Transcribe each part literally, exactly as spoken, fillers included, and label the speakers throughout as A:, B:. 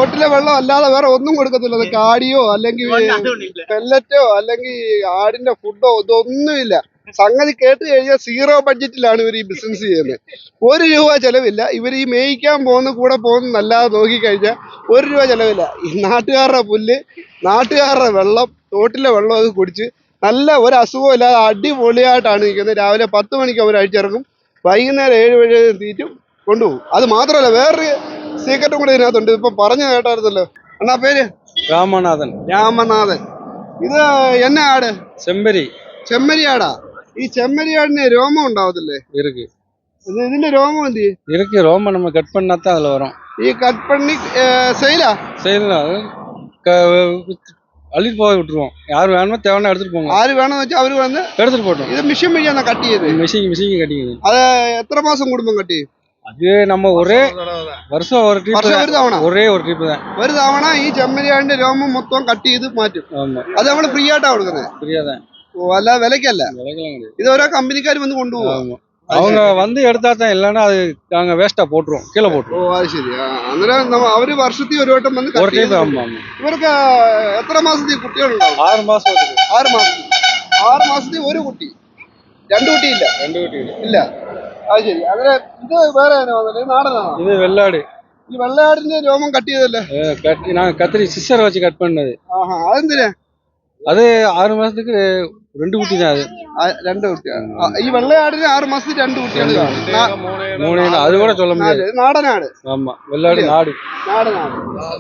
A: തോട്ടിലെ വെള്ളം അല്ലാതെ വേറെ ഒന്നും കൊടുക്കത്തില്ല. അത് കാടിയോ അല്ലെങ്കിൽ പെല്ലറ്റോ അല്ലെങ്കിൽ ആടിന്റെ ഫുഡോ ഇതൊന്നുമില്ല. സംഗതി കേട്ട് കഴിഞ്ഞാൽ സീറോ ബഡ്ജറ്റിലാണ് ഇവർ ഈ ബിസിനസ് ചെയ്യുന്നത്. ഒരു രൂപ ചെലവില്ല. ഇവർ ഈ മേയ്ക്കാൻ പോകുന്ന കൂടെ പോകുന്നല്ലാതെ നോക്കിക്കഴിഞ്ഞാൽ ഒരു രൂപ ചെലവില്ല. ഈ നാട്ടുകാരുടെ പുല്ല്, നാട്ടുകാരുടെ വെള്ളം, തോട്ടിലെ വെള്ളം അത് കുടിച്ച് നല്ല ഒരു അസുഖവും ഇല്ലാതെ അടിപൊളിയായിട്ടാണ് നിൽക്കുന്നത്. രാവിലെ പത്ത് മണിക്ക് അവർ അഴിച്ചിറക്കും, വൈകുന്നേരം ഏഴ് വഴി തീറ്റും കൊണ്ടുപോകും. അത് മാത്രമല്ല വേറൊരു സീക്രട്ടും കൂടെ ഇതിനകത്തുണ്ട്. ഇപ്പൊ പറഞ്ഞു കേട്ടായിരുന്നല്ലോ. എന്നാ പേര്?
B: രാമനാഥൻ.
A: രാമനാഥൻ. ഇത് എന്നാ ആട്?
B: ചെമ്പരി.
A: ചെമ്മരി ആടാ. ഈ ചെമ്മരി ആടിന് രോമം ഉണ്ടാവത്തില്ലേ?
B: இருக்கு.
A: ഇത് ഇതിന്റെ രോമം എന്ത് ചെയ്യും?
B: இருக்கு. ரோம நம்ம கட் பண்ணாதான் அதுல வரும்.
A: ഈ കട്ട് പണി സെയിലാ?
B: செய்யலாம். அள்ளிட்டு போய் விட்டுருவோம். யார் வேணுமோ தேவைன்னா எடுத்துட்டு போங்க.
A: ആര് വേണമെന്ന് വെച്ചാൽ അവര് വന്ന്
B: எடுத்துட்டு போட்டோம்.
A: ഇത് മിഷൻ വഴിയാണ് കട്ട് ചെയ്ത്.
B: மிஷின் மிஷின் கட்டிக்குது.
A: അത് എത്ര മാസം കൂടുമ്പം കട്ട് ചെയ്യും?
B: அது நம்ம ஒரே வருஷம் ஒரு ட்ரிப்
A: വർഷം ഒരു തവണ
B: ஒரே ஒரு ட்ரிப் தான்.
A: ഒരു തവണ ഈ ചെമ്മരിയാടിന്റെ രോമം മൊത്തം കട്ട് ചെയ്ത് മാറ്റും.
B: ஆமா.
A: അത് നമ്മള് ഫ്രീ ആയിട്ടാ കൊടുക്കുന്നത്.
B: புரியாதான்.
A: ഓ, അല്ല വിലക്കല്ല.
B: விலைக்கெல்லாம் கிடையாது.
A: ഇത് ഓരോ കമ്പനിക്കാർ വന്ന് കൊണ്ടുപോകും.
B: ஆமா. அவங்க வந்து எடுத்தா தான், இல்லைன்னா அது நாங்க வேஸ்டா போட்டுருவோம், கீழே
A: ഓ
B: போட்டுருவோம்.
A: അത് ശരി. ആ, അന്നേരം നമ്മ- അവര് വർഷത്തിൽ ഒരു വട്ടം വന്ന്
B: ஒரு
A: കട്ട്
B: ட்ரிப்.
A: ചെയ്ത്
B: ஆமா ஆமா.
A: ഇവർക്ക് എത്ര മാസത്തിൽ കുട്ടികളുണ്ടാവും?
B: ஆறு மாசம் வருது.
A: ആറ് മാസത്തിൽ. ആറ് മാസത്തിൽ ഒരു കുട്ടി, രണ്ടു കുട്ടിയില്ല.
B: ரெண்டு குட்டி.
A: ഇല്ല. അത് ശരി. അങ്ങനെ ഇത് വേറെ നാടനാണോ?
B: இது வெள்ளாடு.
A: ഈ വെള്ളയാടിന്റെ രോമം കട്ട് ചെയ്തല്ലേ?
B: அஹ் கட் நாங்க கத்திரி சிஸ்டர் வச்சு கட் பண்ணது.
A: ആഹാ. അതെന്തിനാ?
B: அது ஆறு மாசத்துக்கு ரெண்டு குட்டி தான். அது
A: ആ, രണ്ട് കുട്ടിയാണ്. ആ, ഈ വെള്ളയാടിന് ആറ് മാസത്തിൽ രണ്ട് കുട്ടികൾ കാണും. നാ-
B: மூணு அது கூட சொல்ல முடியாது.
A: നാല്. നാടനാട്.
B: ஆமா, வெள்ளாடு நாடு.
A: നാടനാട്.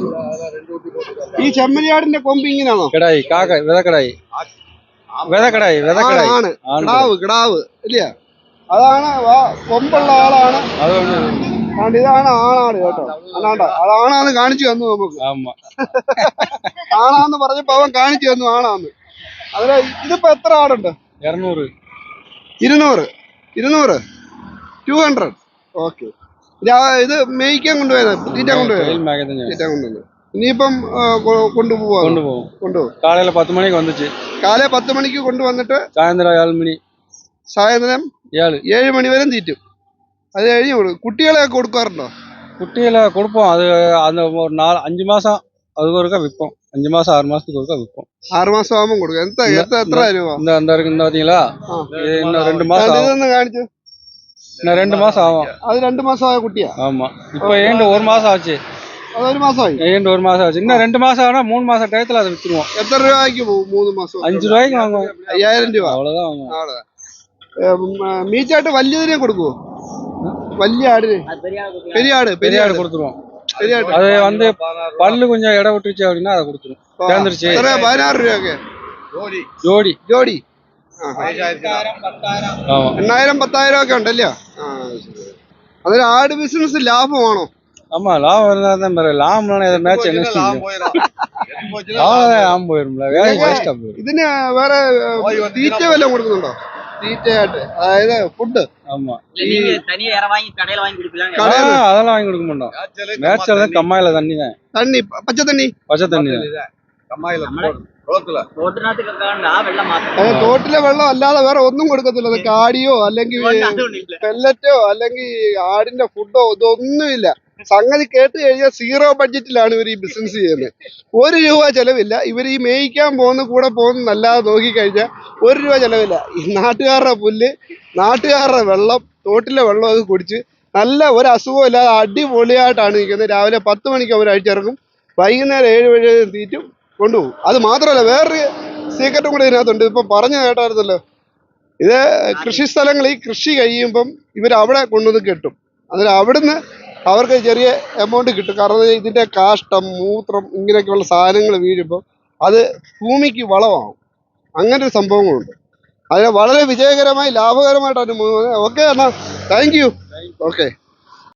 A: ഈ ചെമ്മരിയാടിന്റെ കൊമ്പ് ഇങ്ങനെയാണോ?
B: கிடாய், காக்கா, விதக்கடாய், விதக்கடாய், விதக்கடாய்.
A: ആണ്.
B: ஆண்
A: കിടാവ് കിടാവ് ഇല്ല. അതാണ് വാ- കൊമ്പുള്ള ആളാണ്.
B: அது ஒண்ணு.
A: അതുകൊണ്ട് ഇതാണ് ആണാട് കേട്ടോ. അതാണ്ട അതാണാന്ന് കാണിച്ചു തന്നു നമുക്ക്.
B: ஆமா.
A: ആണാന്ന് പറഞ്ഞപ്പോ അവൻ കാണിച്ചു തന്നു ആണാന്ന്. അതിന് ഇതിപ്പോ എത്ര ആടുണ്ട്?
B: இருநூறு.
A: ഇരുന്നൂറ്. ഇരുന്നൂറ്. Two hundred. ഓക്കെ. ഇത് മേയ്ക്കാൻ കൊണ്ടുപോയത്, തീറ്റാൻ കൊണ്ടുപോയത്?
B: கையில் மேகதான்
A: തീറ്റാൻ കൊണ്ടുവന്നത്. ഇനിയിപ്പം ആ, കൊ- കൊണ്ടുപോവാ?
B: கொண்டு போவோம்.
A: കൊണ്ടുപോകും.
B: காலையில பத்து மணிக்கு வந்துச்சு.
A: കാലേ പത്ത് മണിക്ക് കൊണ്ടുവന്നിട്ട്
B: சாயந்தரம் ஏழு மணி.
A: സായന്തരം
B: ஏழு.
A: ഏഴ് മണി വരെ തീറ്റും. അത് കഴിഞ്ഞ് കൊടുക്കും. കുട്ടികളെയൊക്കെ കൊടുക്കാറുണ്ടോ?
B: குட்டியில கொடுப்போம். அது அந்த ஒரு நாலு அஞ்சு மாசம் அதுக்கு ஒருக்கா விற்போம். அஞ்சு மாசம் ஆறு மாசத்துக்கு ஒருக்கா விற்போம்.
A: ആറ് മാസം ആകുമ്പോൾ കൊടുക്കും. എത്ര എത്ര എത്ര രൂപ?
B: இந்த அந்த இருக்கு, இந்த பாத்தீங்களா,
A: ആ.
B: இது இன்னும் ரெண்டு மாசம் ஆகும்.
A: ഇതൊന്ന് കാണിച്ചു.
B: இன்னும் ரெண்டு மாசம் ஆகும்.
A: അത് രണ്ട് മാസമായ കുട്ടിയാ?
B: ஆமா. இப்ப ஏண்டு ஒரு மாசம் ஆச்சு.
A: അതൊരു മാസമായി.
B: ஏண்டு ஒரு மாசம் ஆச்சு. இன்னும் ரெண்டு மாசம் ஆனா மூணு மாசம் டயத்துல அதை வித்துருவோம்.
A: എത്ര രൂപയ്ക്ക് പോകും? മൂന്ന് മാസം.
B: அஞ்சு ரூபாய்க்கு வாங்குவோம்.
A: അയ്യായിരം രൂപ.
B: அவ்வளவுதான் வாங்குவோம்.
A: ആണ്. മീച്ചായിട്ട് വലിയതിനെ കൊടുക്കുവോ? വലിയ ആടിന്? പെരിയ ആട്. പെരിയ
B: பெரிய
A: ആട്
B: ஆடு கொடுத்துருவோம்.
A: പെരിയ ആട്.
B: அது வந்து பல்லு கொஞ்சம் இடம் விட்டுருச்சு அப்படின்னா அதை கொடுத்துரும். சேர்ந்துருச்சு.
A: എത്ര? പതിനാറ് രൂപയൊക്കെ
B: ஜோடி.
A: ജോഡി.
B: ஆமா.
A: എണ്ണായിരം പത്തായിരം ഒക്കെ ഉണ്ടല്ലോ. ആ, ശരി. അതൊരു ആട് ബിസിനസ് ലാഭമാണോ?
B: ஆமா, லாபம் இருந்தா தான் பெரிய. லாபம்னா எதை மேட்ச் என்ன அவ்வளவுதான். லாபம் போயிரும்ல, வேலை வேஸ்டா போயிடும்.
A: ഇതിന് വേറെ ഏ, തീറ്റ വല്ലതും കൊടുക്കുന്നുണ്ടോ? തീറ്റയായിട്ട്, അതായത് ഫുഡ്?
B: ஆமா.
C: நீங்க தனியா யார வாங்கி கடையில வாங்கி கொடுப்பீங்க?
A: കടയിൽ
B: ஆ, அதெல்லாம் வாங்கி கொடுக்க மாட்டோம். மேட்ச்ல தான் கம்மாயில தண்ணி தான்,
A: തണ്ണി, പച്ചത്തണ്ണി.
B: பச்சை தண்ணி தான்.
C: റോഡിനകത്ത് വെക്കാണ്ട് ആ വെള്ളം മാത്രം.
A: അത് തോട്ടിലെ വെള്ളം അല്ലാതെ വേറെ ഒന്നും കൊടുക്കത്തില്ല. അത് കാടിയോ അല്ലെങ്കിൽ
C: അതുകൊണ്ടില്ല.
A: പെല്ലറ്റോ അല്ലെങ്കിൽ ആടിന്റെ ഫുഡോ ഇതൊന്നുമില്ല. സംഗതി കേട്ട് കഴിഞ്ഞാൽ സീറോ ബഡ്ജറ്റിലാണ് ഇവർ ഈ ബിസിനസ് ചെയ്യുന്നത്. ഒരു രൂപ ചെലവില്ല. ഇവർ ഈ മേയ്ക്കാൻ പോകുന്ന കൂടെ പോകുന്നല്ലാതെ നോക്കിക്കഴിഞ്ഞാൽ ഒരു രൂപ ചെലവില്ല. ഈ നാട്ടുകാരുടെ പുല്ല്, നാട്ടുകാരുടെ വെള്ളം, തോട്ടിലെ വെള്ളം അത് കുടിച്ച് നല്ല ഒരു അസുഖവും ഇല്ലാതെ അടിപൊളിയായിട്ടാണ് നിൽക്കുന്നത്. രാവിലെ പത്ത് മണിക്ക് അവർ അഴിച്ചിറക്കും, വൈകുന്നേരം ഏഴ് വഴി തീറ്റും കൊണ്ടുപോകും. അത് മാത്രമല്ല വേറൊരു സീക്രട്ടും കൂടെ ഇതിനകത്തുണ്ട്. ഇപ്പം പറഞ്ഞു കേട്ടായിരുന്നല്ലോ. ഇത് കൃഷി സ്ഥലങ്ങളിൽ കൃഷി കഴിയുമ്പം ഇവർ അവിടെ കൊണ്ടുവന്ന് കെട്ടും. അതിന് അവിടുന്ന് അവർക്ക് ചെറിയ എമൗണ്ട് കിട്ടും. കാരണം ഇതിന്റെ കാഷ്ടം, മൂത്രം, ഇങ്ങനെയൊക്കെയുള്ള സാധനങ്ങൾ വീഴുമ്പോൾ അത് ഭൂമിക്ക് വളമാവും. അങ്ങനെ ഒരു സംഭവങ്ങളുണ്ട്. അതിന് വളരെ വിജയകരമായി ലാഭകരമായിട്ടാണ്. ഓക്കെ എന്നാ, താങ്ക് യു. ഓക്കെ.